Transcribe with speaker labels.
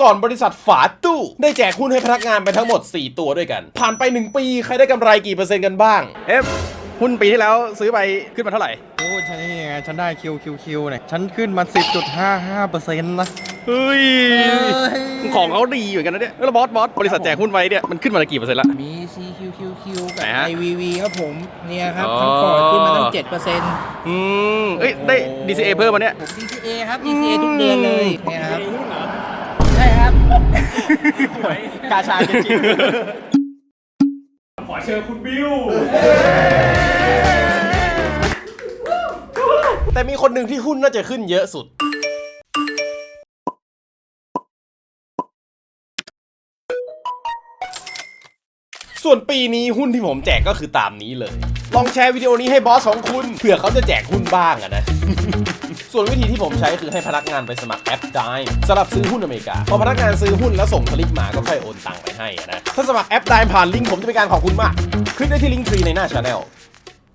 Speaker 1: ก่อนบริษัทฝาตู้ได้แจกหุ้นให้พนักงานไปทั้งหมด4ตัวด้วยกันผ่านไป1ปีใครได้กำไรกี่เปอร์เซ็นต์กันบ้างหุ้นปีที่แล้วซื้อไปขึ้นมาเท่าไหร่
Speaker 2: โอ้ฉันนี่ไงฉันได้คิวเนี่ยฉันขึ้นมา 10.55% นะ
Speaker 1: เฮ้ยของเขาดีเหมือนกันนะเนี่ยแล้วบอสบริษัทแจกหุ้นไว้เนี่ยมันขึ้นมากี่เปอร์เซ็นต์ละ
Speaker 3: มี CQQQ กับ
Speaker 1: ไหนฮะ
Speaker 3: IVV ครับผมเนี่ยครับทั้งพอร์ตขึ้นมาตั้ง 7%
Speaker 1: ได้ DCA เพิ่มมาเนี่ย
Speaker 3: ผม DCA ครับ DCA ทุกเดือนเลยเนี่ยครับใช่ครับ
Speaker 1: กาชาจริง
Speaker 4: ขอเชิญคุณบิว
Speaker 1: แต่มีคนหนึ่งที่หุ้นน่าจะขึ้นเยอะสุดส่วนปีนี้หุ้นที่ผมแจกก็คือตามนี้เลยลองแชร์วิดีโอนี้ให้บอสของคุณเผื่อเขาจะแจกหุ้นบ้างอะนะ ส่วนวิธีที่ผมใช้คือให้พนักงานไปสมัครแอป Dime สำหรับซื้อหุ้นอเมริกาพอพนักงานซื้อหุ้นแล้วส่งสลิปมาก็ค่อยโอนตังค์ไปให้นะถ้าสมัครแอป Dime ผ่านลิงก์ผมจะเป็นการขอบคุณมากคลิกได้ที่ลิงก์ทรีในหน้า Channel